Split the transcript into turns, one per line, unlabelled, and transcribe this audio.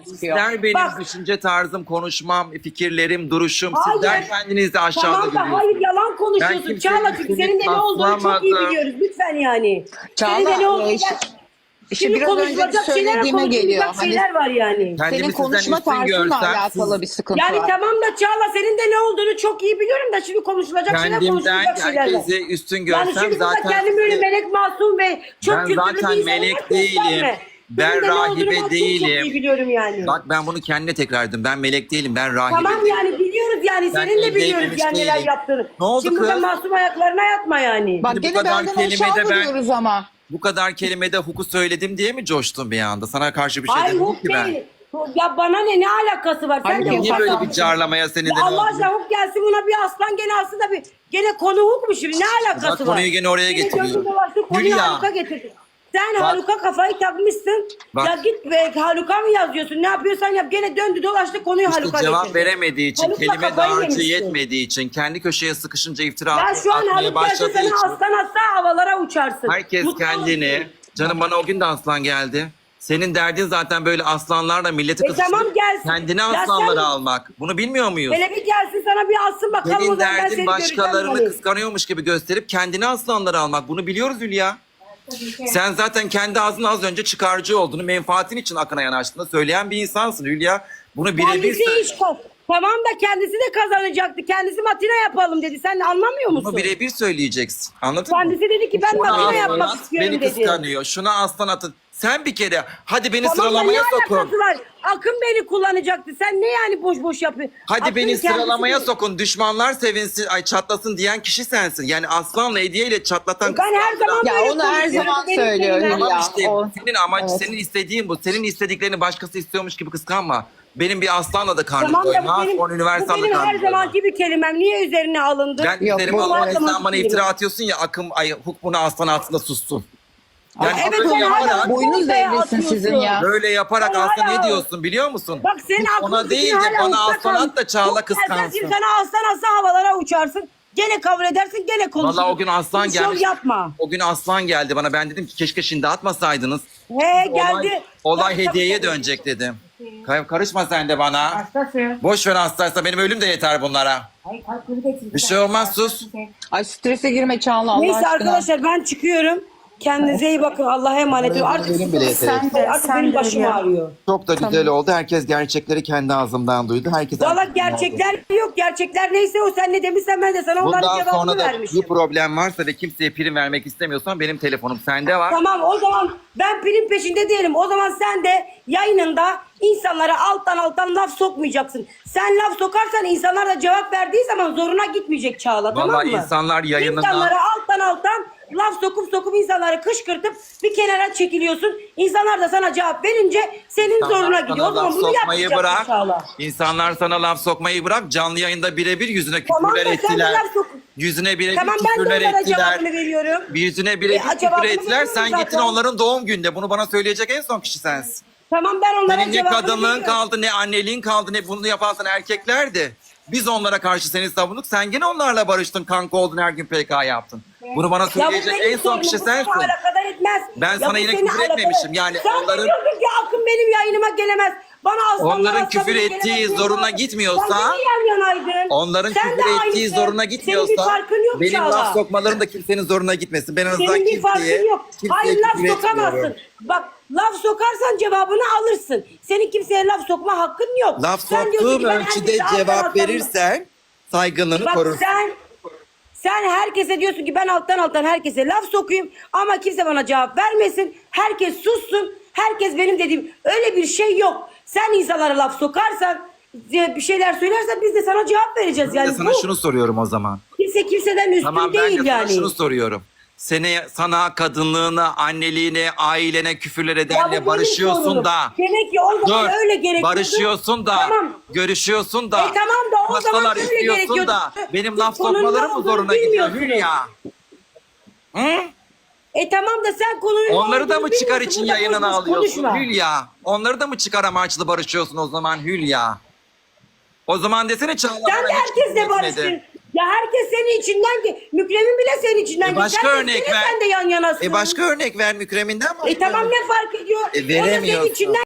gözüküyor.
Sizler benim
Bak.
düşünce tarzım, konuşmam, fikirlerim, duruşum.
Hayır.
Sizler kendinizi aşağıda
Tamam da
görüyorsunuz.
hayır yalan
Ben
konuşuyorsun
kimsenin
Çağla, çünkü
üstüne
senin de ne olduğunu çok iyi
taslamadım.
biliyoruz lütfen yani.
Çağla,
Senin de ne olduğunu
işte
şimdi
biraz önceki
konuşulacak şeyler,
söylediğime geliyor.
konuşulacak
Hani
şeyler var yani.
Kendimi
senin
sizden
konuşma
üstün
tarzınla
görsem,
alakalı bir sıkıntı
Yani
var.
tamam da Çağla senin de ne olduğunu çok iyi biliyorum da şimdi konuşulacak şeyler,
kendimden
konuşulacak şeyler var.
herkesi üstün
Yani
görsem
şimdi burada
zaten
kendim böyle melek masum ve çok
ben
kültürlü bir
zaten
insan
melek
olarak
değilim.
gösterme.
Ben
Senin de ne olduğunu
rahibe
ben çok
değilim.
iyi biliyorum yani.
bak ben bunu kendine tekrar ettim. Ben melek değilim, ben rahibe
Tamam
değilim.
yani biliyoruz yani,
Ben
senin de
evde
biliyoruz
evlenmiş
yani neler
değilim.
yaptığını.
Ne oldu
Şimdi burada
kız?
masum ayaklarına yatma yani.
Bak
Şimdi bu
gene
kadar
benden
kelimede
aşağı
ben-
vuruyoruz ama.
Bu kadar kelimede huku söyledim diye mi coştun bir anda? Sana karşı bir şey
Hayır
demedim
huk
ki ben.
değil. Ya bana ne alakası var? Sen
Hayır,
de
niye
Niye
huk
böyle
atarsın.
bir carlamaya senin de
Ya
ne
Allah
oldu?
aşkına huk gelsin buna bir aslan gene aslında bir gene konu huk mu şimdi? Ne alakası
Bak,
var?
konuyu gene oraya
Gene
getiriyor.
döndün dolaştın, konuyu
Hülya.
Haluk'a getirdin. Sen
Bak.
Haluk'a kafayı takmışsın.
Bak.
Ya git be, Haluk'a mı yazıyorsun? Ne yapıyorsan yap. Gene döndü dolaştı, konuyu
İşte
Haluk'a
cevap
getirdin.
veremediği için,
Haluk'la
kelime
kafayı
dağarcığı
yemişsin.
yetmediği için, kendi köşeye sıkışınca iftira
Ya şu an
atmaya
Haluk gelse
başladığı
sana
için.
aslan aslan havalara uçarsın.
Herkes
Mutlu
kendini,
olursun.
canım bana o gün de aslan geldi. Senin derdin zaten böyle aslanlarla milleti kızıştırıp
tamam gelsin.
kendine
Ya
aslanları
sen-
almak. Bunu bilmiyor muyuz?
Hele bir gelsin sana bir alsın bakalım, o
Senin
zaman ben
derdin
seni
başkalarını
göreceğim yani.
kıskanıyormuş gibi gösterip kendine aslanları almak. Bunu biliyoruz Hülya. Sen zaten kendi ağzına az önce çıkarcı olduğunu, menfaatin için akına yanaştığını söyleyen bir insansın Hülya. Bunu birebir
Kendisi
söyle.
iş kop. Tamam da kendisi de kazanacaktı. Kendisi makine yapalım dedi. Sen anlamıyor musun?
Bunu birebir söyleyeceksin. Anladın mı?
Kendisi dedi ki ben
Şuna
makine
aslan
yapmak
at,
istiyorum
beni
dedi.
kıskanıyor. Şuna aslan atın. Sen bir kere hadi beni
Tamam da ne
sıralamaya sokun.
alakası var? Akın beni kullanacaktı. Sen ne yani boş boş yapıyorsun?
Hadi
Akın
beni
kendisi
sıralamaya
de-
sokun. Düşmanlar sevinsin, ay çatlasın diyen kişi sensin. Yani aslanla hediyeyle çatlatan
Ben her zaman
Ya
böyle
onu her
konuşuyorum.
zaman
Benim
söylüyor
kelimem-
Hülya.
Tamam işte
o-
senin amaç,
evet.
senin istediğin bu. Senin istediklerini başkası istiyormuş gibi kıskanma. Benim bir aslanla da karnım
Tamam da
doymaz.
bu
On
benim
üniversal da
her
karnım doymaz.
zamanki bir kelimem. Niye üzerine alındı?
Ben
Yok,
üzerime
bu
alınmak
her
sen
zamanki
bana
kelimem.
iftira atıyorsun ya, akım ay hukmuna aslan altında sussun. Yani
Evet,
böyle
sen
yaparak,
hala-
Boynuz
Ortaya
devrilsin
atıyorsun.
sizin ya.
böyle yaparak
Sen
aslında
hala-
ne diyorsun biliyor musun?
Bak senin
Huk
aklın
ona değil de bana aslan at da Çağla kıskansın.
Sana aslan aslan havalara uçarsın. Gene kabul edersin, gene konuşursun.
Valla o gün aslan
Hiç şov
gelmiş.
yapma.
O gün aslan geldi bana. Ben dedim ki keşke şimdi atmasaydınız.
He geldi.
Olay hediyeye dönecek dedim. Karışma sen de bana.
Hastası.
Boş ver hastaysa benim ölüm de yeter bunlara.
Ay kalkını getir.
Bir şey olmaz, sus.
Ay strese girme Çağla Allah
Neyse
aşkına.
arkadaşlar ben çıkıyorum. Kendinize iyi bakın. Allah'a emanet olun. Artık
Benim bile yeter.
Sen de,
artık
sen
benim
de
başım
ya.
ağrıyor.
Çok da güzel oldu. Herkes gerçekleri kendi ağzımdan duydu. Herkes
Valla
herkesin
gerçekler yok. Gerçekler neyse o, sen ne demişsen ben de sana onların
bundan
cevabını
sonra da
vermişim.
bir problem varsa ve kimseye prim vermek istemiyorsan benim telefonum sende var.
Tamam o zaman ben prim peşinde değilim. O zaman sen de yayınında insanlara alttan laf sokmayacaksın. Sen laf sokarsan insanlar da cevap verdiği zaman zoruna gitmeyecek Çağla, tamam mı?
Vallahi insanlar yayınında...
İnsanlara alttan laf sokup insanları kışkırtıp bir kenara çekiliyorsun. İnsanlar da sana cevap verince senin
İnsanlar
zoruna
sana
gidiyor. O zaman
laf
bunu
sokmayı
yapmayacaksın Çağla.
İnsanlar sana laf sokmayı bırak. Canlı yayında birebir yüzüne
Tamam
küfürler
da sen de
ettiler.
laf sok.
Yüzüne birebir
Tamam ben de
küfürler
onlara
ettiler.
cevabını veriyorum.
Yüzüne birebir küfür
cevabını
ettiler.
veriyorum
Sen gittin
zaten.
onların doğum günde. Bunu bana söyleyecek en son kişi sensin.
Tamam ben onlara
Senin ne
cevabını
kadınlığın
veriyorum.
kaldı, ne anneliğin kaldı, ne bunu yapan sana erkeklerdi. Biz onlara karşı seni savunduk. Sen gene onlarla barıştın, kanka oldun, her gün PK yaptın. Bunu bana
Ya bu
söyleyecek
benim
en son
sorunum,
kişi
bu seni
sensin.
alakadar etmez.
Ben
Ya
sana
bu
yine
seni
küfür
alakadar-
etmemişim. Yani
Sen
onların-
diyorsun ki Akın benim yayınıma gelemez. Bana aslanlar
Onların
aslanlar
küfür
gelemez
ettiği
diyorsun.
zoruna gitmiyorsa-
Sen de yan yanaydın.
Onların
Sen de
küfür ettiği
aynısın.
zoruna
Senin bir
gitmiyorsa
farkın yok
benim
Çağla.
laf sokmalarım da kimsenin zoruna gitmesin. Ben en azından
Senin bir farkın
kimseye
yok. Hayır laf
küfür
sokamazsın.
etmiyorum.
Bak laf sokarsan cevabını alırsın. Senin kimseye laf sokma hakkın yok.
Laf
Sen diyorsun
soktuğum
ki ben
ölçüde
herkese
cevap
alttan-
verirsen saygınlığını
Bak
korursun.
sen herkese diyorsun ki ben alttan herkese laf sokayım ama kimse bana cevap vermesin. Herkes sussun. Herkes benim dediğim, öyle bir şey yok. Sen insanlara laf sokarsan, bir şeyler söylersen biz de sana cevap vereceğiz.
Ben
Yani
de sana
bu
şunu soruyorum o zaman.
kimse kimseden üstün
Tamam ben
değil
de sana
yani.
şunu soruyorum. Sana kadınlığına, anneliğine, ailene küfürler
Ya bu
edenle
benim
barışıyorsun
sorunum.
da.
Demek ki o zaman
Dur.
öyle gerekiyordu.
Barışıyorsun da.
Tamam.
Görüşüyorsun da.
Tamam da o zaman
Masalar
öyle
istiyorsun
gerekiyordu.
da. Benim
Siz
laf
konunun
sokmalarım
ne
mı
olduğunu
zoruna gidiyor
bilmiyorsunuz.
Hülya? Hı?
Tamam da sen konunun ne
Onları da
olduğunu
mı çıkar
bilmiyorsun.
için
Burada
yayınına
boş boş
alıyorsun
konuşma.
Hülya? Onları da mı çıkar amaçlı barışıyorsun o zaman Hülya? O zaman desene Çağla
Sen
bana
de
hiç
herkesle
küfür etmedi.
barıştın. Ya herkes senin içinden ki Mükremin bile senin içinden.
Başka
Sen de
örnek
seni,
ver.
sen de yan yanasın.
Başka örnek ver Mükrem'inden mi?
Tamam ne fark ediyor? O da senin
Veremiyorsun.
içinden